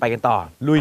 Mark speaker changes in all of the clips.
Speaker 1: ไปกันต่อลุย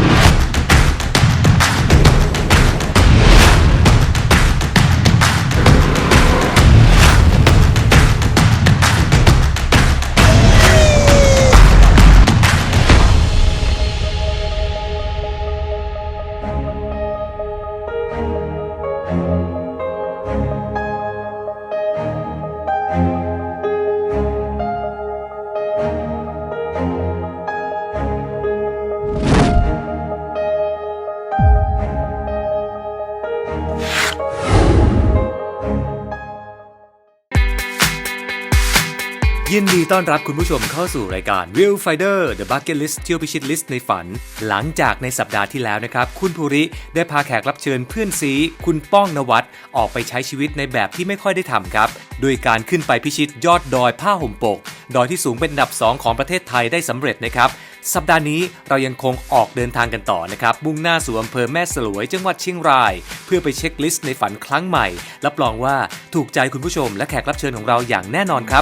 Speaker 2: ยินดีต้อนรับคุณผู้ชมเข้าสู่รายการ Viewfinder The Bucket List เที่ยวพิชิตลิสต์ในฝันหลังจากในสัปดาห์ที่แล้วนะครับคุณภูริได้พาแขกรับเชิญเพื่อนซีคุณป้องนวัดออกไปใช้ชีวิตในแบบที่ไม่ค่อยได้ทำครับโดยการขึ้นไปพิชิตยอดดอยผ้าห่มปกดอยที่สูงเป็นอันดับ2ของประเทศไทยได้สำเร็จนะครับสัปดาห์นี้เรายังคงออกเดินทางกันต่อนะครับมุ่งหน้าสู่อำเภอแม่สลวยจังหวัดเชียงรายเพื่อไปเช็คลิสต์ในฝันครั้งใหม่รับรองว่าถูกใจคุณผู้ชมและแขกรับเชิญของเราอย่างแน่นอนครับ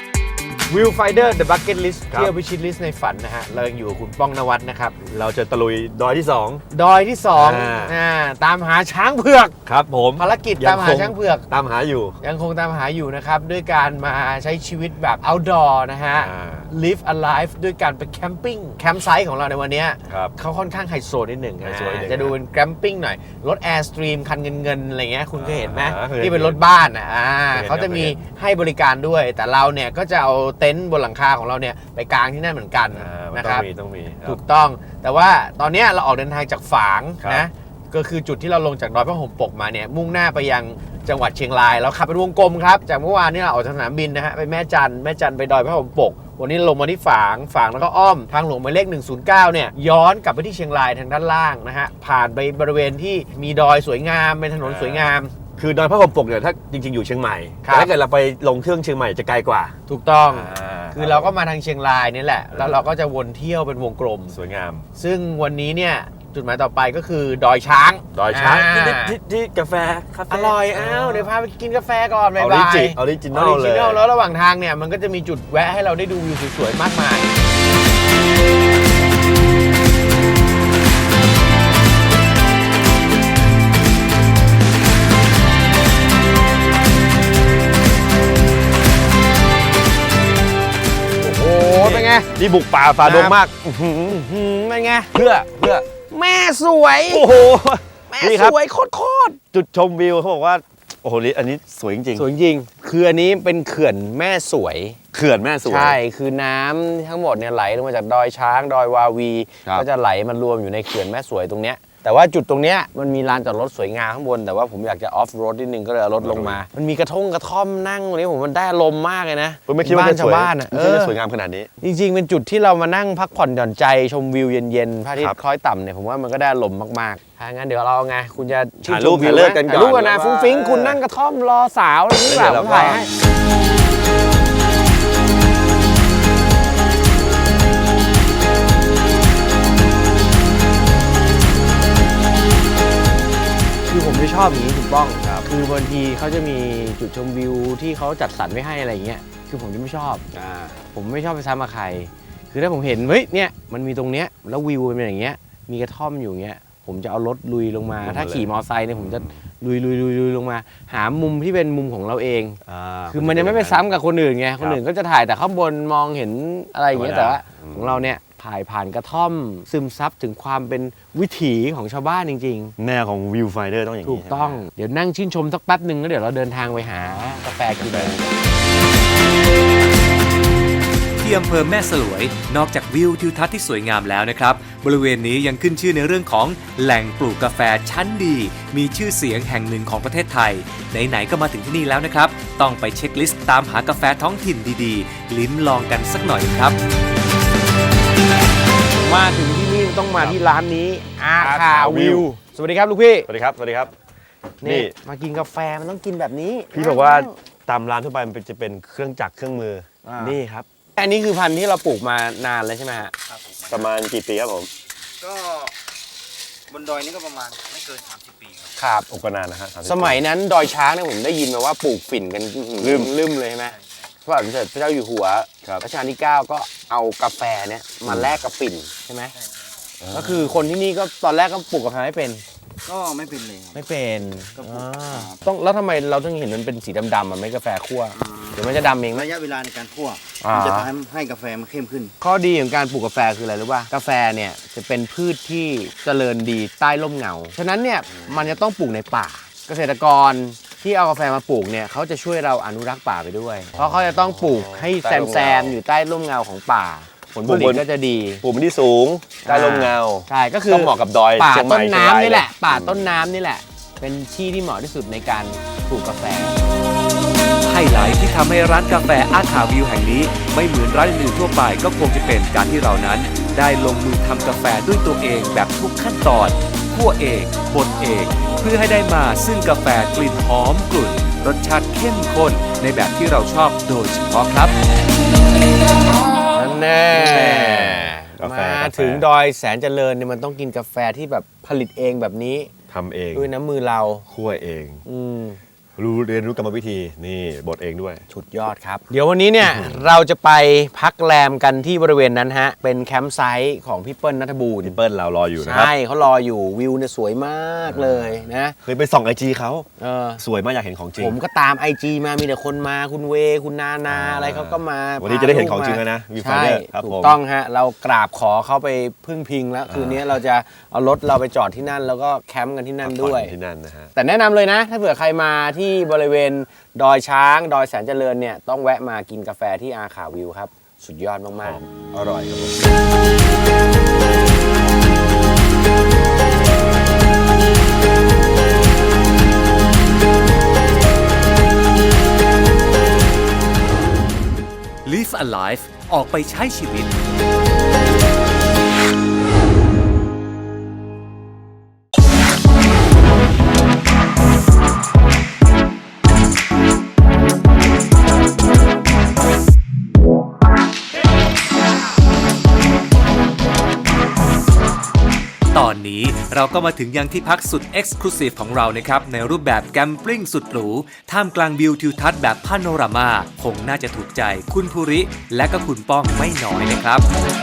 Speaker 1: Viewfinder The Bucket List เที่ยวพิชิตลิสต์ในฝันนะฮะเรายังอยู่กับคุณป้องนวัดนะครับ
Speaker 3: เราจะตะลุยดอยที่2
Speaker 1: ดอยที่2ตามหาช้างเผือก
Speaker 3: ครับผม
Speaker 1: ภารกิจตามหาช้างเผือก
Speaker 3: ตามหาอยู่
Speaker 1: ยังคงตามหาอยู่นะครับด้วยการมาใช้ชีวิตแบบ outdoor นะฮะ live alive ด้วยการไปแคมปิ้งแคมป์ไซต์ของเราในวันนี้เขาค่อนข้างไฮโซนิดหนึ่งจะดูเป็นแคมปิ้งหน่อยรถ Airstream คันเงินอะไรเงี้ยคุณเคยเห็นไหมที่เป็นรถบ้านเขาจะมีให้บริการด้วยแต่เราเนี่ยก็จะเอาเต็นท์บนหลังคาของเราเนี่ยไปกางที่นั่นเหมือนกันนะครับ
Speaker 3: ต้องมี
Speaker 1: ถูกต้องแต่ว่าตอนนี้เราออกเดินทางจากฝางนะก็คือจุดที่เราลงจากดอยผ้าห่มปกมาเนี่ยมุ่งหน้าไปยังจังหวัดเชียงรายเราขับเป็นวงกลมครับจากเมื่อวานนี้เราออกจากสนามบินนะฮะไปแม่จันไปดอยผ้าห่มปกวันนี้ลงมาที่ฝางแล้วก็อ้อมทางหลวงหมายเลข109เนี่ยย้อนกลับไปที่เชียงรายทางด้านล่างนะฮะผ่านไปบริเวณที่มีดอยสวยงามเป็นถนนสวยงาม
Speaker 3: คือดอยผ้าห่มปกเนี่ยถ้าจริงๆอยู่เชียงใหม่แต่ถ้าเกิดเราไปลงเครื่องเชียงใหม่จะไกลกว่า
Speaker 1: ถูกต้องคือเราก็มาทางเชียงรายนี่แหละแล้วเราก็จะวนเที่ยวเป็นวงกลม
Speaker 3: สวยงาม
Speaker 1: ซึ่งวันนี้เนี่ยจุดหมายต่อไปก็คือดอยช้าง
Speaker 3: ที่กาแฟ
Speaker 1: อร่อยเดี๋ยวพาไปกินกาแฟก่อนบ๊ายบาย
Speaker 3: ออริจินอลเลย
Speaker 1: แล้วระหว่างทางเนี่ยมันก็จะมีจุดแวะให้เราได้ดูวิวสวยๆมากมายเป็นไง
Speaker 3: นี่บุกป่าฝ่าดงมาก
Speaker 1: เป็นไง
Speaker 3: เพื่อ
Speaker 1: แม่สวย
Speaker 3: โอ้โห
Speaker 1: แม่สวยโคตร
Speaker 3: จุดชมวิวเขาบอกว่าโอ้โหอันนี้สวยจริง
Speaker 1: สวยจริงคืออันนี้เป็นเขื่อนแม่สวย
Speaker 3: เขื่อนแม่สวย
Speaker 1: ใช่คือน้ำทั้งหมดเนี่ยไหลลงมาจากดอยช้างดอยวาวีก็จะไหลมารวมอยู่ในเขื่อนแม่สวยตรงเนี้ยแต่ว่าจุดตรงเนี้ยมันมีลานจอดรถสวยงามข้างบนแต่ว่าผมอยากจะออฟโรดนิดนึงก็เลยเอารถลงมามันมีกระท่อมนั่งตรงนี้ผมมันได้ลมมากเลยนะ
Speaker 3: ผมไม่คิดว่าจะสวยสวยงามขนาดนี้
Speaker 1: จริงๆเป็นจุดที่เรามานั่งพักผ่อนหย่อนใจชมวิวเย็นๆพระอาทิตย์คล้อยต่ำเนี่ยผมว่ามันก็ได้ลมมากๆถ้างั้นเดี๋ยวเราไงคุณจะ
Speaker 3: ถ่ายรูปเลิกกันก่อน
Speaker 1: รูปกันนะฟุ้งฟิ้งคุณนั่งกระท่อมรอสาวอะไรนี่แบบถ่ายให้คือผมไม่ชอบอย่างนี้ถูกต้องคือบางทีเขาจะมีจุดชมวิวที่เขาจัดสรรไว้ให้อะไรอย่างเงี้ยคือผมจะไม่ชอบผมไม่ชอบไปซ้ำกับใครคือถ้าผมเห็นเฮ้ยเนี่ยมันมีตรงเนี้ยแล้ววิวเป็นอย่างเงี้ยมีกระท่อมอยู่เงี้ยผมจะเอารถลุยลงมาถ้าขี่มอเตอร์ไซค์เนี่ยผมจะลุยลงมาหามุมที่เป็นมุมของเราเองคือมันจะไม่ไปซ้ำกับคนอื่นไงคนอื่นก็จะถ่ายแต่ข้างบนมองเห็นอะไรอย่างเงี้ยแต่ว่าของเราเนี่ยถ่ายผ่านกระท่อมซึมซับถึงความเป็นวิถีของชาวบ้านจริง
Speaker 3: ๆแนวของวิวไฟเดอร์ต้องอย่างนี้
Speaker 1: ถูกต้องเดี๋ยวนั่งชื่นชมสักแป๊บหนึ่งแล้วเดี๋ยวเราเดินทางไปหากาแฟกิน
Speaker 2: ที่อำเภอแม่สลวยนอกจากวิวทิวทัศน์ที่สวยงามแล้วนะครับบริเวณนี้ยังขึ้นชื่อในเรื่องของแหล่งปลูกกาแฟชั้นดีมีชื่อเสียงแห่งหนึ่งของประเทศไทยไหนๆก็มาถึงที่นี่แล้วนะครับต้องไปเช็คลิสต์ตามหากาแฟท้องถิ่นดีๆลิ้มลองกันสักหน่อยครับ
Speaker 1: มาถึงที่นี่ต้องมาที่ร้านนี้อาคาวิวสวัสดีครับลูกพี่
Speaker 3: สวัสดีครับ
Speaker 1: นี่มากินกาแฟมันต้องกินแบบนี้
Speaker 3: พี่บอกว่าตามร้านทั่วไปมันจะเป็นเครื่องจักรเครื่องมือนี่ครับ
Speaker 1: อันนี้คือพันธุ์ที่เราปลูกมานานเลยใช่ไหมฮะ
Speaker 3: ประมาณกี่ปีครับผม
Speaker 4: ก็บนดอยนี่ก็ประมาณไม่เกิน30 ปี
Speaker 1: ครับ
Speaker 3: ก็นานนะฮะ
Speaker 1: สมัยนั้นดอยช้างเนี่ยผมได้ยินมาว่าปลูกฝิ่นกันลืมเลยใช่ไหมพระบาทสมเด็จพระเจ้าอยู่หัวรัชกาลที่9ก็เอากาแฟเนี่ยมาแลกกับฝิ่นใช่ไหมก็คือคนที่นี่ก็ตอนแรกก็ปลูกกาแฟไม่เป็น
Speaker 4: ก็ไม่เป็นเลยครับ
Speaker 1: ไม่เป็น
Speaker 4: ก็ปลูก
Speaker 1: ต้องแล้วทำไมเราต้องเห็นมันเป็นสีดำๆมันไม่กาแฟคั่วเดี๋ยวมันจะดำเองไหม
Speaker 4: ระยะเวลาในการคั่ว
Speaker 1: อ่ามั
Speaker 4: มันจะทำให้กาแฟมันเข้มขึ้น
Speaker 1: ข้อดีของการปลูกกาแฟคืออะไรรู้ป่ะกาแฟเนี่ยจะเป็นพืชที่เจริญดีใต้ร่มเงาฉะนั้นเนี่ยมันจะต้องปลูกในป่า เกษตรกรที่เอากาแฟมาปลูกเนี่ยเขาจะช่วยเราอนุรักษ์ป่าไปด้วย เพราะเขาจะต้องปลูกให้แซมอยู่ใต้ร่มเงาของป่าผลผลิตก็จะดี
Speaker 3: ปลูกมันที่สูงใต้ลมเงา
Speaker 1: ใช่ก็คือ
Speaker 3: ต้องเหมาะกับดอย
Speaker 1: ป่า
Speaker 3: เชียงใหม่
Speaker 1: ต้นน้ำนี่แหละ
Speaker 3: เชียงราย
Speaker 1: ป่าต้นน้ำนี่แหละ เป็นที่ที่เหมาะที่สุดในการปลูกกาแฟ
Speaker 2: ไฮไลท์ที่ทำให้ร้านกาแฟอาคาวิวแห่งนี้ ไม่เหมือนร้านอื่นๆทั่วไปก็คงจะเป็นการที่เรานั้น ได้ลงมือทำกาแฟด้วยตัวเองแบบทุกขั้นตอนคั่วเองบดเองเพื่อให้ได้มาซึ่งกาแฟกลิ่นหอมกลุ่นรสชาติเข้มข้นในแบบที่เราชอบโดยเฉพาะครับ
Speaker 1: นั่นแน่
Speaker 3: กาแฟ
Speaker 1: มาถึงดอยแสนเจริญเนี่ยมันต้องกินกาแฟที่แบบผลิตเองแบบนี้
Speaker 3: ทำเอง
Speaker 1: ด้วยน้ำมือเรา
Speaker 3: คั่วเอง
Speaker 1: อืม
Speaker 3: เรียนรู้กรรมวิธีนี่บดเองด้วย
Speaker 1: สุดยอดครับ เดี๋ยววันนี้เนี่ย เราจะไปพักแรมกันที่บริเวณนั้นฮะ เป็นแคมป์ไซต์ของพี่เปิ้ลณัฐบูรณ์
Speaker 3: พี่เปิ้ลเรารออยู่นะครับ
Speaker 1: ใช่เขารออยู่วิวเนี่ยสวยมากเลยนะ
Speaker 3: เคยไปส่องไอจีเขา
Speaker 1: เออ
Speaker 3: สวยมากอยากเห็นของจริง
Speaker 1: ผมก็ตามไอจีมามีแต่คนมาคุณเวคุณนาอะไรเขาก็มา
Speaker 3: วันนี้จะได้เห็นของจริงแล้วนะ
Speaker 1: ใช่
Speaker 3: Viewfinder ครับ
Speaker 1: ถู
Speaker 3: ผ
Speaker 1: ก
Speaker 3: ม
Speaker 1: ต้องฮะ เรากราบขอเขาไปพึ่งพิงแล้ว คืนนี้เราจะเอารถเราไปจอดที่นั่น แล้วก็แคมป์กันที่นั่นด้วย
Speaker 3: ที่นั่นนะฮะ
Speaker 1: แต่แนะนำเลยนะ ถ้าเผื่อใครมาที่บริเวณดอยช้างดอยแสนเจริญเนี่ยต้องแวะมากินกาแฟที่อาขาวิวครับ สุดยอดมากๆ
Speaker 3: อร่อยครับผม
Speaker 2: Live Alive ออกไปใช้ชีวิต ตอนนี้เราก็มาถึงยังที่พักสุด Exclusive ของเรานะครับ ในรูปแบบแกมปลิ้งสุดหรู ท่ามกลางวิวทิวทัศน์แบบพาโนรามาคงน่าจะถูกใจคุณภูริ และก็คุณป้องไม่น้อยนะครับ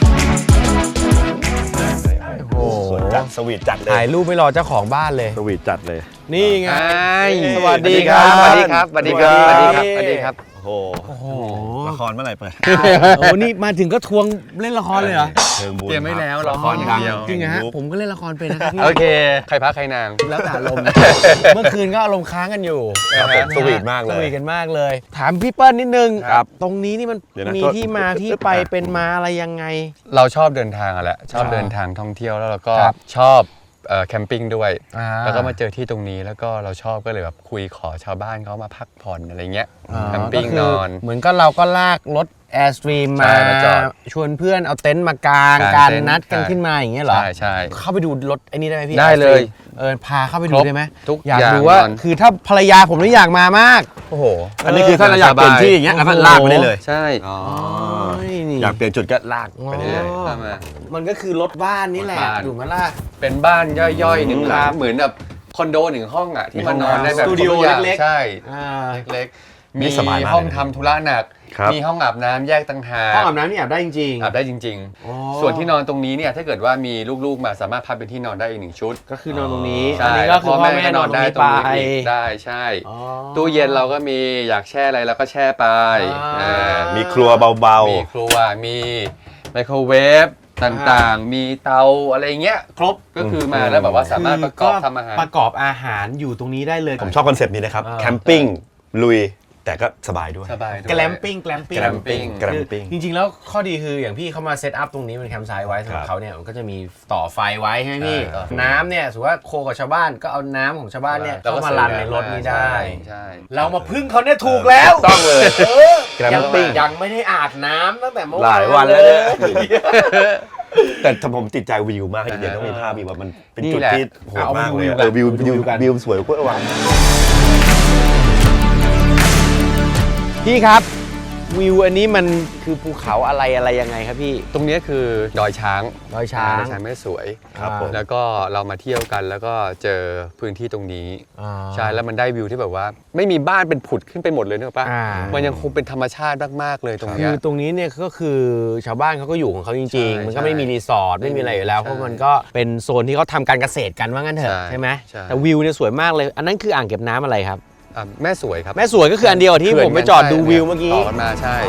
Speaker 1: โอ้โห
Speaker 3: สวยจัดสวีทจัดเล
Speaker 1: ถ่าย ยรูปไม่รอเจ้าของบ้านเลย
Speaker 3: สวีทจัดเลย
Speaker 1: นี่ไง
Speaker 3: สวัสดีครับ
Speaker 1: สวัสดีครับสวัสดีครับสวัสดีครับสวัสดีครับ
Speaker 3: โอ้โหละครเมื่อไหร่เปิด
Speaker 1: โอ้นี่มาถึงก็ทวงเล่นละครเลยเหรอ
Speaker 3: เชิงบุญ
Speaker 5: เตรียมไว้แล้ว
Speaker 3: ละครอย่างเดียว
Speaker 1: จริงเหรอฮะผมก็เล่นละครเป็นนะครับพี่
Speaker 5: โอเค ใครพักใครนาง
Speaker 1: แล้วแต่อารมณ์ เมื่อคืนก็อารมณ์ค้างกันอยู่
Speaker 3: ครับผมสวีทมากเล
Speaker 1: ส
Speaker 3: ย
Speaker 1: วีทกันมากเลย ถามพี่เปิ้ลนิดนึง
Speaker 3: ครับ
Speaker 1: ตรงนี้นี่มัน
Speaker 3: เดี๋ยวนะ
Speaker 1: มีที่มาที่ไปเป็นมาอะไรยังไง
Speaker 5: เราชอบเดินทางอะแหละ ชอบ
Speaker 1: อ่า
Speaker 5: เดินทางท่องเที่ยวแล้วเราก็
Speaker 1: ครับ
Speaker 5: ชอบแคมปิ้งด้วย
Speaker 1: อ่า
Speaker 5: แล้วก็มาเจอที่ตรงนี้แล้วก็เราชอบก็เลยแบบคุยขอชาวบ้านเขามาพักผ่อนอะไรเงี้ยแคมปิ้ง
Speaker 1: ก็คื
Speaker 5: นอน
Speaker 1: เหมือนก็เราก็ลากรถแอร์สตรีม
Speaker 5: ใช่
Speaker 1: มา
Speaker 5: มาจอด
Speaker 1: ชวนเพื่อนเอาเต็นท์มากาง
Speaker 5: กาง
Speaker 1: การ
Speaker 5: เต็นท์
Speaker 1: นัดกัน
Speaker 5: ใช่
Speaker 1: ขึ้นมาอย่างเงี้ยเหรอ
Speaker 5: ใช่ใช่
Speaker 1: เข้าไปดูรถไอ้นี่ได้ไหมพี่
Speaker 5: ได้เลย
Speaker 1: พาเข้าไปดู
Speaker 5: ครบ
Speaker 1: ได้ไหม
Speaker 5: ทุก
Speaker 1: อยาก
Speaker 5: อย่าง
Speaker 1: ดูว่าน
Speaker 5: อน
Speaker 1: คือถ้าภรรยาผมนี่อยากมามาก
Speaker 5: โอ้โห
Speaker 3: อันนี้คือถ้าเราอยากเปลี่ยนที่อย่างเงี้ยแล้วก็ลากไปได้เลย
Speaker 5: ใช่
Speaker 1: นี่
Speaker 3: อยากเปลี่ยนจุดก็ลากไปได้เลย
Speaker 5: เข้ามา
Speaker 1: มันก็คือรถบ้านนี่แหละ
Speaker 5: รถบ้าน
Speaker 1: ถูกไหมล่ะ
Speaker 5: เป็นบ้านย่อยๆหนึ่งหลั
Speaker 1: ค
Speaker 5: ง
Speaker 1: รับ
Speaker 5: เหมือนแบบคอนโดหนึ่งห้องอ่ะที่มานอนได้แบบ
Speaker 1: สตูดิโอ
Speaker 5: ครบทุย่าง
Speaker 1: เล็กๆ
Speaker 5: ใช่
Speaker 1: อ่า
Speaker 5: เล็กๆ
Speaker 3: นี่
Speaker 5: มี
Speaker 3: สบายมาก
Speaker 5: ห้อง
Speaker 3: เลยนะ
Speaker 5: ทำธุระหนัก
Speaker 3: ครับ
Speaker 5: มีห้องอาบน้ำแยกต่างหาก
Speaker 1: ห้องอาบน้ำนี่อาบได้จริงๆ
Speaker 5: อาบได้จริง
Speaker 1: อ๋อ
Speaker 5: ๆ ส่วนที่นอนตรงนี้เนี่ยถ้าเกิดว่ามีลูกๆมาสามารถพับเป็นที่นอนได้อีกหนึ่งชุด
Speaker 1: ก็คือนอนตรงนี้
Speaker 5: ใช่
Speaker 1: อันนี้ก็คือพ่อแม่นอนตรง
Speaker 5: ได้
Speaker 1: นี้
Speaker 5: ตรง
Speaker 1: ไป
Speaker 5: นี้อีกได้ใช่
Speaker 1: อ๋อ
Speaker 5: ตู้เย็นเราก็มีอยากแช่อะไรเราก็แช่ไป
Speaker 1: อ่า
Speaker 3: มีครัวเบา
Speaker 5: มีครัวมีไมโครเวฟต่างๆ มีเตาอะไรเงี้ยครบก็คือมาแล้วแบบว่าสามารถประกอบทำอาหาร
Speaker 1: ประกอบอาหารอยู่ตรงนี้ได้เลย
Speaker 3: ๆ ผมชอบคอนเซปต์นี้นะครับ
Speaker 1: อ่า
Speaker 3: แคมปิ้งลุยแต่ก็สบายด้วย
Speaker 5: สบายด้วย
Speaker 1: แกลมปิ้งแกลมปิ้ง
Speaker 5: glamping
Speaker 3: แกลมปิ้ง
Speaker 1: จริงๆแล้วข้อดีคืออย่างพี่เขามาเซตอัพตรงนี้เป็นแคมป์ไซต์ไว้สำหรับ
Speaker 3: ครับ
Speaker 1: เขาเนี่ยมันก็จะมีต่อไฟไว้ใช่ไหมพี่
Speaker 5: ใช่
Speaker 1: น้ำเนี่ยสมมติว่าโคกับชาวบ้านก็เอาน้ำของชาวบ้านเนี่ย
Speaker 5: เราก็
Speaker 1: เข้ามารันในรถนี้ได้
Speaker 5: ใช่
Speaker 1: เรามาพึ่งเขาเนี่ยถูกแล้ว
Speaker 3: ต้องเลย
Speaker 1: เออ
Speaker 3: แกรม
Speaker 1: ยัง
Speaker 3: ปิ้ง
Speaker 1: ยังไม่ได้อาบน้ำตั้งแต่เมื่อ
Speaker 3: หลายวันแล้วเนี่ย แต่ผมติดใจวิวมากจริงๆต้องมีภาพวิวว่ามันเป็นจุดที่โหดมากเลยอะวิววิวสวยกว่าวัง
Speaker 1: พี่ครับวิวอันนี้มันคือภูเขาอะไรยังไงครับพี่
Speaker 5: ตรงนี้คือดอยช้าง
Speaker 1: ดอยช้าง
Speaker 5: ดอยช้างแม่สวย
Speaker 3: ครับผม
Speaker 5: แล้วก็เรามาเที่ยวกันแล้วก็เจอพื้นที่ตรงนี้
Speaker 1: อ่า
Speaker 5: ใช่แล้วมันได้วิวที่แบบว่า ไม่มีบ้านเป็นผุดขึ้นไปหมดเลยเนอะป่ะ
Speaker 1: อ่า
Speaker 5: มันยังคงเป็นธรรมชาติมากๆเลยตรง
Speaker 1: คื
Speaker 5: เนี้ย
Speaker 1: อตรงนี้เนี่ยก็คือชาวบ้านเขาก็อยู่ของเขาจริง
Speaker 5: ใช่
Speaker 1: ๆ มันก็ไม่มีรีสอร์ทไม่มีอะไรอยู่แล้ว
Speaker 5: ใช่
Speaker 1: เพราะมันก็เป็นโซนที่เขาทำการเกษตรกันว่างั้นเถอะ
Speaker 5: ใช่
Speaker 1: ใช่ไหม
Speaker 5: ใช่
Speaker 1: แต่วิวเนี่ยสวยมากเลย อันนั้นคืออ่างเก็บน้ำอะไรครับ
Speaker 5: แม่สวยครับ
Speaker 1: แม่สวยก็คืออันเดียวกับที่ผมไปจอดดูวิวเมื่อกี้
Speaker 5: ต่อกันมาใช่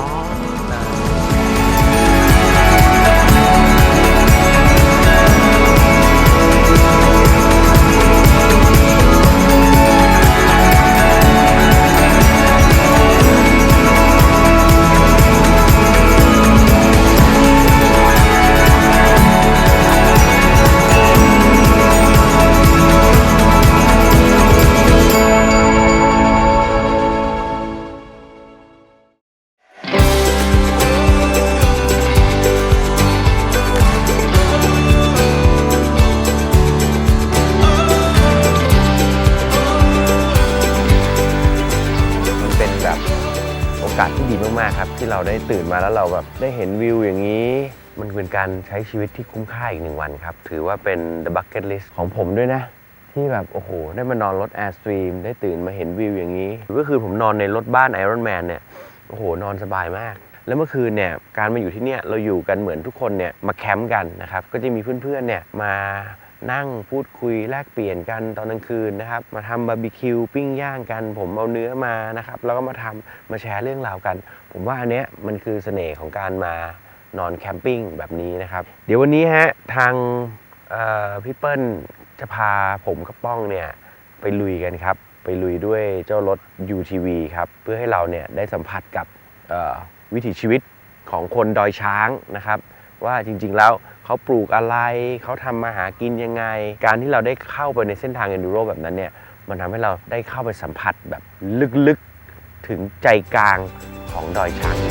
Speaker 1: มันเป็นแบบโอกาสที่ดีมากๆครับที่เราได้ตื่นมาแล้วเราแบบได้เห็นวิวอย่างนี้ มันเป็นการใช้ชีวิตที่คุ้มค่าอีก1 วันครับถือว่าเป็น the bucket list ของผมด้วยนะ ที่แบบโอ้โหได้มานอนรถ Airstream ได้ตื่นมาเห็นวิวอย่างนี้ ก็คือผมนอนในรถบ้าน Iron Man เนี่ยโอ้โหนอนสบายมาก แล้วเมื่อคืนเนี่ยการมาอยู่ที่เนี่ยเราอยู่กันเหมือนทุกคนเนี่ยมาแคมป์กันนะครับก็จะมีเพื่อนๆเนี่ยมานั่งพูดคุยแลกเปลี่ยนกันตอนกลางคืนนะครับมาทำบาร์บีคิวปิ้งย่างกันผมเอาเนื้อมานะครับแล้วก็มาแชร์เรื่องราวกัน ผมว่าอันเนี้ยมันคือเสน่ห์ของการมานอนแคมปิ้งแบบนี้นะครับเดี๋ยววันนี้ฮะทางพี่เปิ้ลจะพาผมกับป้องเนี่ยไปลุยกันครับไปลุยด้วยเจ้ารถ UTV ครับเพื่อให้เราเนี่ยได้สัมผัสกับวิถีชีวิตของคนดอยช้างนะครับว่าจริงๆแล้วเขาปลูกอะไรเขาทำมาหากินยังไงการที่เราได้เข้าไปในเส้นทาง Enduro แบบนั้นเนี่ยมันทำให้เราได้เข้าไปสัมผัสแบบลึกๆถึงใจกลางของดอยช้าง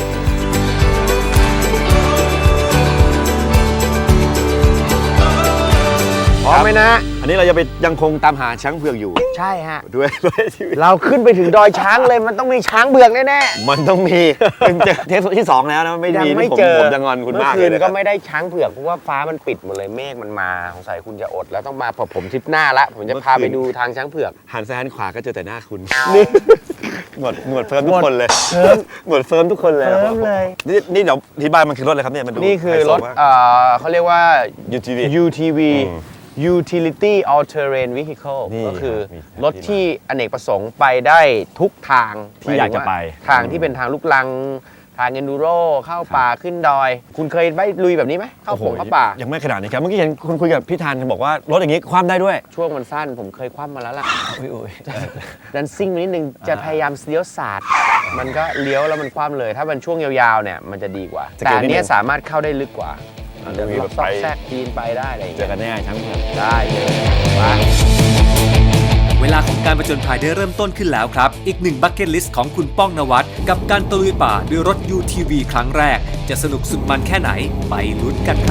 Speaker 1: พร้อมไหมนะ
Speaker 3: อันนี้เราจะไปยังคงตามหาช้างเผือกอยู่
Speaker 1: ใช่ฮะ
Speaker 3: ด้วยชีวิต
Speaker 1: เราขึ้นไปถึงดอยช้างเลยมันต้องมีช้างเบือกแน่
Speaker 3: มันต้องมีเป็นเทปที่ 2 แล้วนะไม่
Speaker 1: ๆยัง
Speaker 3: มี
Speaker 1: ไม่
Speaker 3: นี่ผม
Speaker 1: เจอ
Speaker 3: ผมจะงอนคุณมาก
Speaker 1: เมื่อคื
Speaker 3: เลย
Speaker 1: น
Speaker 3: นะค
Speaker 1: ก็
Speaker 3: รับ
Speaker 1: ไม่ได้ช้างเผือกเพราะว่าฟ้ามันปิดหมดเลยเมฆมันมาสงสัยคุณจะอดแล้วต้องมาพอผมทริปหน้าละผมจะพาไปดูทางช้างเผือก
Speaker 3: หันซ้ายหันขวาก็เจอแต่หน้าคุณหนวดเฟิร์มทุกคนเลยหนวดเฟิร์มทุกคนเลย
Speaker 1: เฟิร์มเลย
Speaker 3: นี่เดี๋ยวที่บ้านมันคือรถอะไรครับเนี่ยมันดู
Speaker 1: นี่คือรถ
Speaker 3: ไฮโซมาก
Speaker 1: เขาเรียกว่า
Speaker 3: UTV
Speaker 1: UTV Utility All Terrain Vehicle
Speaker 3: นี่
Speaker 1: ก็คือ
Speaker 3: มี
Speaker 1: รถที่อเนกประสงค์ไปได้ทุกทาง
Speaker 3: ที่อยากจะไป
Speaker 1: ทางที่เป็นทางลูกลังทาง Enduro เข้าป่าขึ้นดอย คุณเคยไปลุยแบบนี้ไหมเข้า
Speaker 3: โอ้โห
Speaker 1: เข้าป่า
Speaker 3: ยังไม่ขนาดนี้ครับเมื่อกี้เห็นคุณคุยกับพี่ธันบอกว่ารถอย่างนี้คว่ำได้ด้วย
Speaker 1: ช่วงมันสั้นผมเคยคว่ำมาแล้วล่ะ
Speaker 3: อุ้ย
Speaker 1: ดันซิ่งไปนิดนึงจะพยายามเลี้ยวศาสตร์มันก็เลี้ยวแล้วมันคว่ำเลย ถ้าเป็นช่วงยาวๆเนี่ยมันจะดีกว่า แต่อันเนี้ยสามารถเข้าได้ลึกกว่า
Speaker 3: มัน
Speaker 1: จะ
Speaker 3: จะมี
Speaker 1: มี
Speaker 3: แบบ
Speaker 1: ซอก
Speaker 3: ไป
Speaker 1: แซกปีนไปได้อะไรอย่าง
Speaker 3: เจ
Speaker 1: เงี้
Speaker 3: อย กันแน่ช้างเผือก
Speaker 1: ได้เลยไป
Speaker 2: เวลาของการผจญภัยได้เริ่มต้นขึ้นแล้วครับ อีกหนึ่งบัคเก็ตลิสต์ของคุณป้องนวัดกับการตะลุยป่าด้วยรถ UTV ครั้งแรก จะสนุกสุดมันแค่ไหน ไปลุ้นกันครับ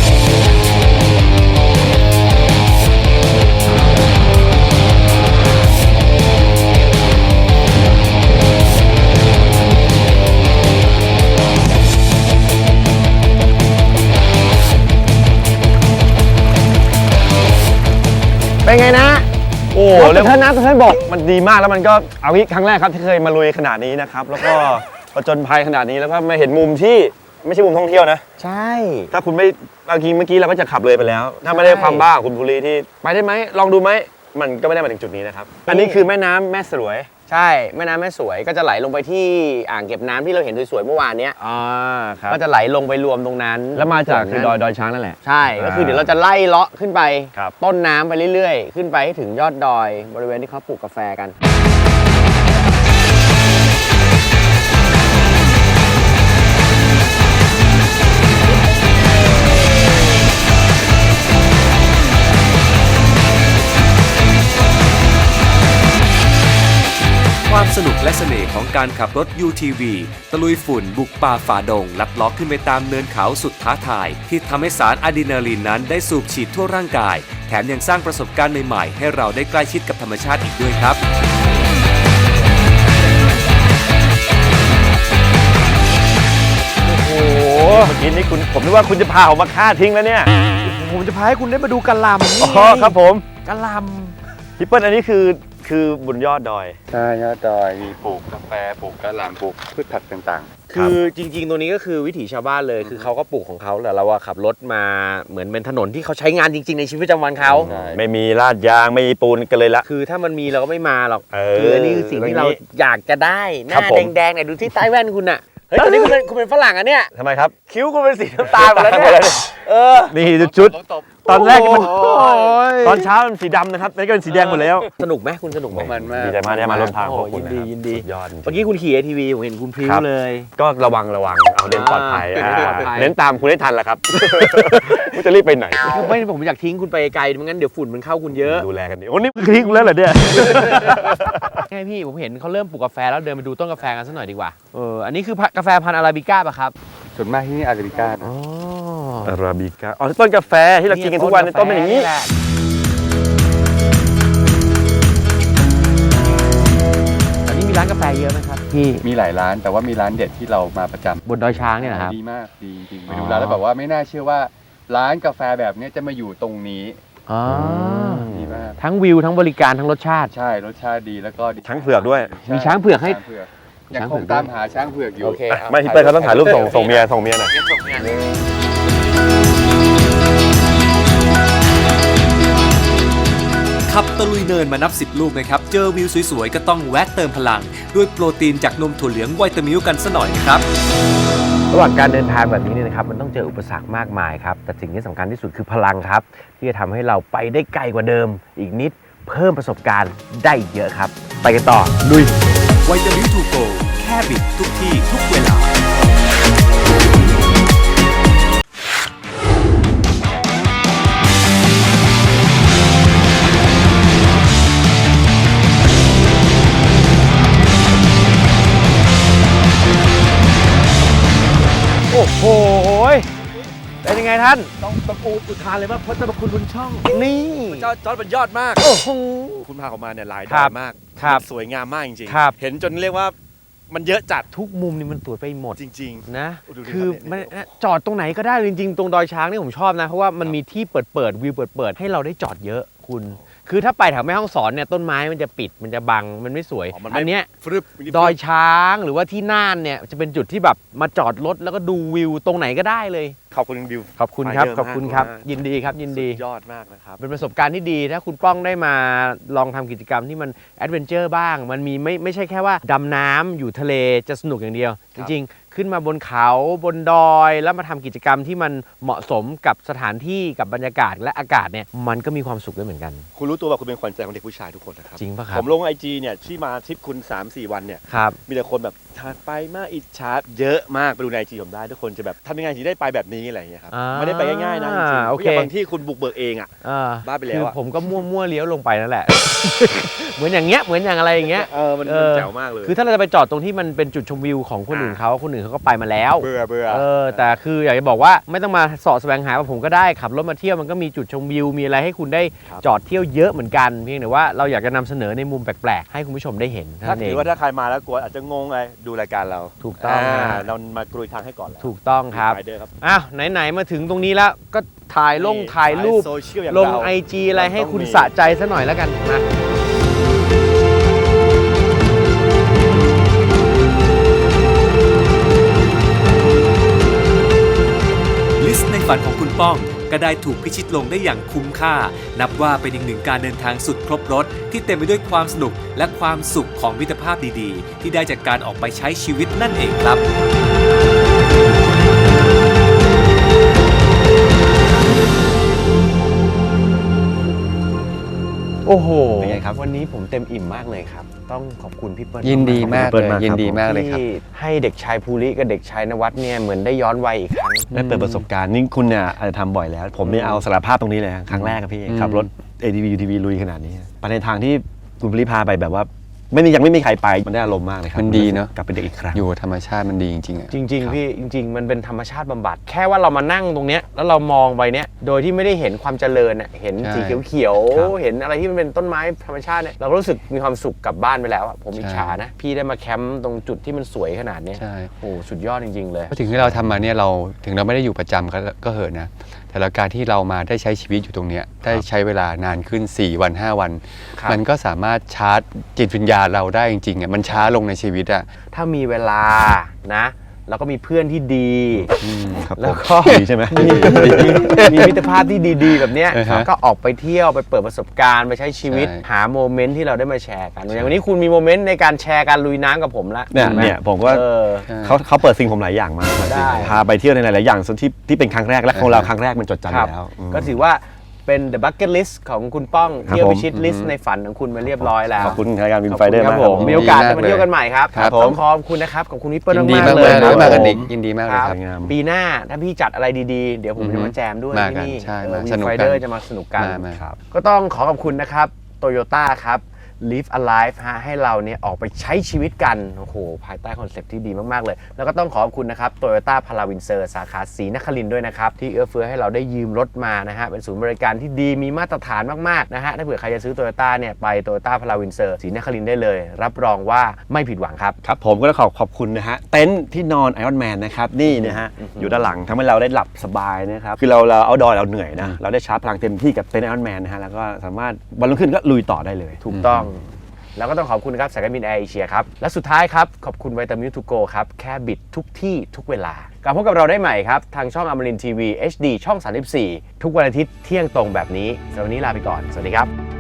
Speaker 1: เป็นไงนะ
Speaker 3: โอ้
Speaker 1: แล้
Speaker 3: แล้ว ว
Speaker 1: ท่านนะท่านบอก
Speaker 3: มันดีมากแล้วมันก็เอางี้ครั้งแรกครับที่เคยมาลุยขนาดนี้นะครับแล้วก็ผจญภัยขนาดนี้แล้วก็มาเห็นมุมที่ไม่ใช่มุมท่องเที่ยวนะ
Speaker 1: ใช่
Speaker 3: ถ้าคุณไม่เมื่อกี้เราก็จะขับเลยไปแล้ว ถ้าไม่ได้ความบ้าของคุณภูริที่ไปได้ไหมลองดูไหมมันก็ไม่ได้มาถึงจุดนี้นะครับอันนี้คือแม่น้ำแม่สลวย
Speaker 1: ใช่แม่น้ำแม่สวยก็จะไหลลงไปที่อ่างเก็บน้ำที่เราเห็นสวยๆเมื่อวานเนี้ย
Speaker 3: ครับ
Speaker 1: ก็จะไหลลงไปรวมตรงนั้น
Speaker 3: แล้วมาจากคือ
Speaker 1: ส่วนนั้น
Speaker 3: ดอยช้างนั่นแหละ
Speaker 1: ใช่ก็คือเดี๋ยวเราจะไล่เลาะขึ้นไป
Speaker 3: ครับ
Speaker 1: ต้นน้ำไปเรื่อยๆ ขึ้นไปให้ถึงยอดดอยบริเวณที่เขาปลูกกาแฟกัน
Speaker 2: ความสนุกและเสน่ห์ของการขับรถ UTV ตะลุยฝุ่นบุกป่าฝ่าดง ลัดเล้อขึ้นไปตามเนินเขาสุดท้าทาย ที่ทำให้สารอะดรีนาลีนนั้นได้สูบฉีดทั่วร่างกาย แถมยังสร้างประสบการณ์ใหม่ๆ ให้เราได้ใกล้ชิดกับธรรมชาติอีกด้วยครับ
Speaker 3: เมื่อกี้นี่ผมนึกว่าคุณจะพาผมมาฆ่าทิ้งแล้วเนี่ย
Speaker 1: ผมจะพาให้คุณได้มาดูกะหล่ำนี่
Speaker 3: อ๋อครับผม
Speaker 1: กะหล่
Speaker 3: พี่เปิ้ลอันนี้คือบนยอดดอย
Speaker 5: ใช่ยอดดอยมีปลูกกาแฟปลูกกะหล่ำปลูกพืชผักต่าง
Speaker 1: ำคือจริงๆตัวนี้ก็คือวิถีชาวบ้านเลย คือเขาก็ปลูกของเขาแต่เราขับรถมาเหมือนเป็นถนนที่เขาใช้งานจริงๆในชีวิตประจำวันเขา
Speaker 5: ใช่
Speaker 3: ไม่มีลาดยางไม่มีปูนกันเลยละ
Speaker 1: คือถ้ามันมีเราก็ไม่มาหรอก
Speaker 3: เ
Speaker 1: คืออันนี้คือสิ่งที่เราอยากจะได้ห
Speaker 3: ครั
Speaker 1: น้า
Speaker 3: บผม
Speaker 1: แดงๆเนี่ยดูที่ใต้แว่นคุณน่ะเฮ้ยตอนนี้คุณเป็นฝรั่งอ่ะเนี่ย
Speaker 3: ทำไมครับ
Speaker 1: คิ้วคุณเป็นสีน้ำตาลหมดแล้วเนี่ย
Speaker 3: นี่ชุดตอนแรกมัน
Speaker 1: โอ้ย
Speaker 3: ตอนเช้ามันสีดำนะครับตอนนี้ก็เป็นสีแดงหมดแล้ว
Speaker 1: สนุกไหมคุณสนุกไหม
Speaker 5: มันมาก
Speaker 3: ดีใจมากที่มาร่วมทาง
Speaker 1: โอ้
Speaker 3: ขอบคุณ
Speaker 1: ยินดี
Speaker 3: นะครับ
Speaker 1: ยินดี
Speaker 3: สุยอดจริง
Speaker 1: เมื่อกี้คุณขี่ ATV ผมเห็นคุณพริ้ว
Speaker 3: ครับ
Speaker 1: เลย
Speaker 3: ก็ระวังเอาเน้นปลอดภัย
Speaker 1: เน้นปลอดภัย
Speaker 3: เน้นตามคุณให้ทันแหละครับ คุณจะรีบไปไหน
Speaker 1: คือไม่ผมอยากทิ้งคุณไปไกลไม่งั้นเดี๋ยวฝุ่นมันเข้าคุณเยอะ
Speaker 3: ดูแลกันดีโอ้นี่คือทิ้งคุณแล้วเหรอเนี่ย
Speaker 1: ไงพี่ผมเห็นเขาเริ่มปลูกกาแฟแล้วเดินไปดูต้นกาแฟกันสักหน่อยดีกว่าอันนี้คือกาแฟพันธุ์อาราบิก้าป่ะครับ
Speaker 5: ส่วนมากที่นี่อาราบิก้า
Speaker 1: อ๋อ
Speaker 3: อาราบิก้าอ๋อต้นกาแฟที่เรากินกันทุกวันต้นเป็นอย่างนี้
Speaker 1: แหละตอนนี้มีร้านกาแฟเยอะไหมครับพี่
Speaker 5: มีหลายร้านแต่ว่ามีร้านเด็ดที่เรามาประจำ
Speaker 1: บนดอยช้างเนี่ยนะครับ
Speaker 5: ดีมากดีจริงๆไป
Speaker 1: อ๋อ
Speaker 5: ดูร้านแล้วแบบว่าไม่น่าเชื่อว่าร้านกาแฟแบบนี้จะมาอยู่ตรงนี้
Speaker 1: อ๋อ
Speaker 5: ดีมาก
Speaker 1: ทั้งวิวทั้งบริการทั้งรสชาติ
Speaker 5: ใช่รสชาติดีแล้วก็ดี
Speaker 3: ช้างเผือกด้วย
Speaker 5: ใช่
Speaker 1: มีช้างเผือกให้
Speaker 5: ช้างเผือกยังคงตามหาช้างเผือกอยู่
Speaker 1: โอเค
Speaker 3: ไม่พี่เปิ้ลเขาต้องถ่ายรูปส่งเมียหน่อย
Speaker 2: ขับตะลุยเนินมานับ 10 ลูกนะครับ เจอวิวสวยๆ ก็ต้องแวะเติมพลัง ด้วยโปรตีนจากนมถั่วเหลืองไวตามิลกันซะหน่อยนะครับ
Speaker 1: ระหว่างการเดินทางแบบนี้เนี่ยนะครับมันต้องเจออุปสรรคมากมายครับแต่สิ่งที่สำคัญที่สุดคือพลังครับ ที่จะทำให้เราไปได้ไกลกว่าเดิม อีกนิดเพิ่มประสบการณ์ได้อีกเยอะครับ ไปกันต่อลุย
Speaker 2: ไวตามิลทูโกแค่บิดทุกที่ทุกเวลา
Speaker 1: โอ้โหเป็นยังไงท่านต้องตะกูอุทานเลยว่าพระเจ้าคุณบุญช่องนี่
Speaker 6: จอร์จมันยอดมาก
Speaker 1: โอ้โห
Speaker 6: คุณพาออกมาเนี่ยหลาย
Speaker 1: ค
Speaker 6: ด
Speaker 1: รั
Speaker 6: อบ ยมาก
Speaker 1: ครับ
Speaker 6: สวยงามมากจริง
Speaker 1: ครับ
Speaker 6: เห็นจนเรียกว่ามันเยอะจัด
Speaker 1: ทุกมุมนี่มันสวยไปหมด
Speaker 6: จริง
Speaker 1: นะ
Speaker 6: ดูดิ
Speaker 1: คือ
Speaker 6: ครับ
Speaker 1: มัน
Speaker 6: เนี่ย
Speaker 1: จอดตรงไหนก็ได้จริงๆ ตรงดอยช้างนี่ผมชอบนะ เพราะว่ามันมีที่เปิดวิวเปิดให้เราได้จอดเยอะคุณ คือถ้าไปแถวแม่ฮ่องสอนเนี่ยต้นไม้มันจะปิดมันจะบังมันไม่สวย
Speaker 6: ๆมัน
Speaker 1: อันเนี้ย
Speaker 6: ฟรึบ
Speaker 1: ดอยช้างหรือว่าที่น่านเนี่ยจะเป็นจุดที่แบบมาจอดรถแล้วก็ดูวิวตรงไหนก็ได้เลย
Speaker 6: ขอบคุณบิว
Speaker 1: ขอบคุณครับ
Speaker 6: ไปเยอะ
Speaker 1: ขอบคุณครับ
Speaker 6: มาก
Speaker 1: ยินดีครับยินดี
Speaker 6: สุยอดมากนะครับ
Speaker 1: เป็นประสบการณ์ที่ดีถ้าคุณป้องได้มาลองทำกิจกรรมที่มันแอดเวนเจอร์บ้าง มันมีไม่ใช่แค่ว่าดำน้ำอยู่ทะเลจะสนุกอย่างเดียว
Speaker 6: ค
Speaker 1: จ
Speaker 6: รับ
Speaker 1: ริงๆ ขึ้นมาบนเขาบนดอย แล้วมาทำกิจกรรมที่มันเหมาะสมกับสถานที่กับบรรยากาศและอากาศเนี่ยมันก็มีความสุขด้วยเหมือนกัน
Speaker 6: คุณรู้ตัวว่าคุณเป็นขวัญใจของเด็กผู้ชายทุกคนนะครับ
Speaker 1: จริงปะครับ
Speaker 6: ผมลงIG เนี่ยที่มาทริปคุณ 3-4 วันเนี่ย
Speaker 1: ครับ
Speaker 6: มีแต่คนแบบถัดไปมากอิจฉาเยอะมากไปดูใน IG ผมได้ทุกคนจะแบบทำยังไงถึงได้ไปแบบนี้อะไรอย่างเงี้ยครับ
Speaker 1: อ่า
Speaker 6: ไม่ได้ไปง่ายๆนะจริงๆ
Speaker 1: โอเค
Speaker 6: ย่างบางที่คุณบุกเบิกเองอ่ะ บ้าไปแล้ว
Speaker 1: คือ
Speaker 6: อะ
Speaker 1: ผมก็มั่วเลี้ยวลงไปนั่นแหละ เหมือนอย่างเงี้ยเหมือนอย่างอะไรอย่างเงี้ย
Speaker 6: มัน
Speaker 1: เออ
Speaker 6: แจ๋วมากเลย
Speaker 1: คือถ้าเราจะไปจอดตรงที่มันเป็นจุดชมวิวของคนอื่นเขาก็ไปมาแล้ว
Speaker 6: เบื่อ
Speaker 1: แต่คืออยากจะบอกว่าไม่ต้องมาเสาะแสวงหาว่าผมก็ได้ขับรถมาเที่ยวมันก็มีจุดชมวิวมีอะไรให้คุณได้
Speaker 6: ครับ
Speaker 1: จอดเที่ยวเยอะเหมือนกันเพียงแต่ว่าเราอยากจะนำเสนอในมุมแปลกๆให้คุณผู้ชมได้เห็นเท่า
Speaker 6: ถ้า
Speaker 1: นั้นเอ
Speaker 6: ถื
Speaker 1: ง
Speaker 6: อว่าถ้าใครมาแล้วกลัวอาจจะงงเลยดูรายการเรา
Speaker 1: ถูกต้อง
Speaker 6: เรามากรุยทางให้ก่อนแล้ว
Speaker 1: ถูกต้องครับ
Speaker 6: ไปเด้อครับ
Speaker 1: อ้าวไหนๆมาถึงตรงนี้แล้วก็ถ่ายรูป
Speaker 6: โซเชียลอย่าง
Speaker 1: ลง
Speaker 6: เรา
Speaker 1: IG อะไรให้คุณ
Speaker 6: ต้องมี
Speaker 1: สะใจซะหน่อยแล้วกันนะ
Speaker 2: ลิสต์ในฝันของคุณป้องก็ได้ถูกพิชิตลงได้อย่างคุ้มค่า นับว่าเป็นอีกหนึ่งการเดินทางสุดครบรถที่เต็มไปด้วยความสนุกและความสุขของมิตรภาพดีๆ ที่ได้จากการออกไปใช้ชีวิตนั่นเองครับ
Speaker 1: โอ้โห
Speaker 3: เป็นไงครับ
Speaker 1: วันนี้ผมเต็มอิ่มมากเลยครับ ต้องขอบคุณพี่เปิ้ล
Speaker 5: ยินดีมาก
Speaker 3: เปิ
Speaker 5: เล
Speaker 3: ด
Speaker 5: ย
Speaker 3: มาครับ
Speaker 5: ยินดีมากเลยครับ
Speaker 1: ที่ให้เด็กชายภูริกับเด็กชายนวัดเนี่ยเหมือนได้ย้อนวัยอีกครั้ง
Speaker 3: ได้เปิดประสบการณ์นี่คุณเนี่ยอาจจะทำบ่อยแล้ว ผมเนี่ยเอาสารภาพตรงนี้เลยครั้งแรกครับพี่
Speaker 5: อืม
Speaker 3: ขับรถ ATV UTV ลุยขนาดนี้ไปในทางที่คุณพลิพาไปแบบว่ายังไม่มีใครไปมันได้อารมณ์มากเลยครับ
Speaker 5: มันดีเนอะ
Speaker 3: กลับเป็นเด็กอีกครั้ง
Speaker 5: อยู่กับธรรมชาติมันดีจริงๆอะ
Speaker 1: จริงๆพี่จริง ๆ มันเป็นธรรมชาติบำบัดแค่ว่าเรามานั่งตรงเนี้ยแล้วเรามองไปเนี้ยโดยที่ไม่ได้เห็นความเจริญอ่ะเห็นสีเขียวๆเห็นอะไรที่มันเป็นต้นไม้ธรรมชาติเนี่ยเราก็รู้สึกมีความสุขกลับบ้านไปแล้วอ่ะผมอิจฉานะพี่ได้มาแคมป์ตรงจุดที่มันสวยขนาดเนี้ย
Speaker 5: ใช่
Speaker 1: โอ้สุดยอดจริงๆเลย
Speaker 5: เพราะถึงที่เราทำมาเนี่ยเราถึงเราไม่ได้อยู่ประจำก็เหอะนะแต่ละการที่เรามาได้ใช้ชีวิตอยู่ตรงเนี้ยได้ใช้เวลานานขึ้น4 วัน 5 วัน
Speaker 1: ครับ
Speaker 5: มันก็สามารถชาร์จจิตวิญญาณเราได้จริงๆอ่ะมันช้าลงในชีวิตอ่ะ
Speaker 1: ถ้ามีเวลานะแล้วก็มีเพื่อนที่ดี
Speaker 3: ครับ
Speaker 1: แล้วก็
Speaker 3: ดีใช่ไหม
Speaker 1: มีมิตรภาพที่ดีๆ แบบเนี้ย
Speaker 5: อ่าฮะ
Speaker 1: ก็ออกไปเที่ยวไปเปิดประสบการณ์ไปใช้ชีวิต
Speaker 5: ใช่
Speaker 1: หาโมเมนต์ที่เราได้มาแชร์กันอย่างวันนี้คุณมีโมเมนต์ในการแชร์การลุยน้ำกับผมละ
Speaker 3: เนี่ย
Speaker 1: ห็ไห
Speaker 3: เนี่ยผมก็
Speaker 1: เออ
Speaker 3: เขาเปิดสิ่งผมหลายอย่างมาก
Speaker 1: ได้
Speaker 3: พาไปเที่ยวในหลายๆอย่างส่วนที่เป็นครั้งแรกและของเราครั้งแรกมันจดจำอยู่แล้วอืม
Speaker 1: ก็ถือว่าเป็น The Bucket List ของคุณป้อง
Speaker 3: ครับ
Speaker 1: เที่ยว
Speaker 3: ผม
Speaker 1: พิชิตลิสต์ในฝันของคุณมาเรียบร้อยแล้ว
Speaker 3: ขอบคุณรายการวิน
Speaker 1: ขอบ
Speaker 3: ไฟ
Speaker 1: คุณ
Speaker 3: เดอร์
Speaker 1: ครับ
Speaker 3: มาก
Speaker 1: ผม
Speaker 3: ครับ
Speaker 1: มีโอกาส
Speaker 5: ดี
Speaker 1: จะ
Speaker 5: มาก
Speaker 1: มาเที่ยวกันใหม่ครับ
Speaker 3: ครับผม
Speaker 1: ต้องขอบคุณนะครับขอบคุณพี่เปิ้ล
Speaker 5: ยินดี
Speaker 1: มาก
Speaker 5: มาก
Speaker 1: ๆ
Speaker 5: เล
Speaker 1: เลย ย
Speaker 5: นะมากัน
Speaker 1: ผ
Speaker 5: อีกยินดีมากเลย
Speaker 1: ครับ
Speaker 5: ครับ
Speaker 3: งาม
Speaker 1: ปีหน้าถ้าพี่จัดอะไรดีๆ เดี๋ยวผมจะมาแจมด้วย
Speaker 5: มา
Speaker 1: ที่
Speaker 5: กัน
Speaker 1: นี่
Speaker 5: ใช่
Speaker 1: วิ
Speaker 5: มาน สนุก
Speaker 1: ไฟ
Speaker 5: กัน
Speaker 1: เดอร์จะมาสนุกกัน
Speaker 5: มา
Speaker 3: ครับ
Speaker 1: ก็ต้องขอขอบคุณนะครับ Toyota ครับ Live Alive ฮะให้เราเนี่ยออกไปใช้ชีวิตกัน โอ้โห ภายใต้คอนเซ็ปต์ที่ดีมาก ๆ เลย แล้วก็ต้องขอบคุณนะครับ Toyota Palavinser สาขาศรีนครินทร์ด้วยนะครับ ที่เอื้อเฟื้อให้เราได้ยืมรถมานะฮะ เป็นศูนย์บริการที่ดีมีมาตรฐานมาก ๆ นะฮะ ถ้าเผื่อใครจะซื้อ Toyota เนี่ยไป Toyota Palavinser ศรีนครินทร์ได้เลย รับรองว่าไม่ผิดหวังครับ
Speaker 3: ครับผมก็ต้องขอบคุณนะฮะเต็นท์ที่นอนไอรอนแมนนะครับนี่นะฮะอยู่ด้านหลังทำให้เราได้หลับสบายนะครับคือเราเอาดอยเราเหนื่อยนะเราได้ชาร์จพลังเต็มที่กับเต็นท์ไอรอนแมนนะฮะแล้วก็สามารถวันรุ่งขึ้นก็ลุยต่อได้เลย
Speaker 1: ถูกต้อง แล้วก็ต้องขอบคุณครับสายการบินแอร์เอเชียครับ และสุดท้ายครับ ขอบคุณไวตามิลทูโกครับ แค่บิดทุกที่ทุกเวลากลับพบกับเราได้ใหม่ครับ ทางช่องอมรินทีวี HD ช่อง 34 ทุกวันอาทิตย์เที่ยงตรงแบบนี้สำหรับวันนี้ลาไปก่อน สวัสดีครับ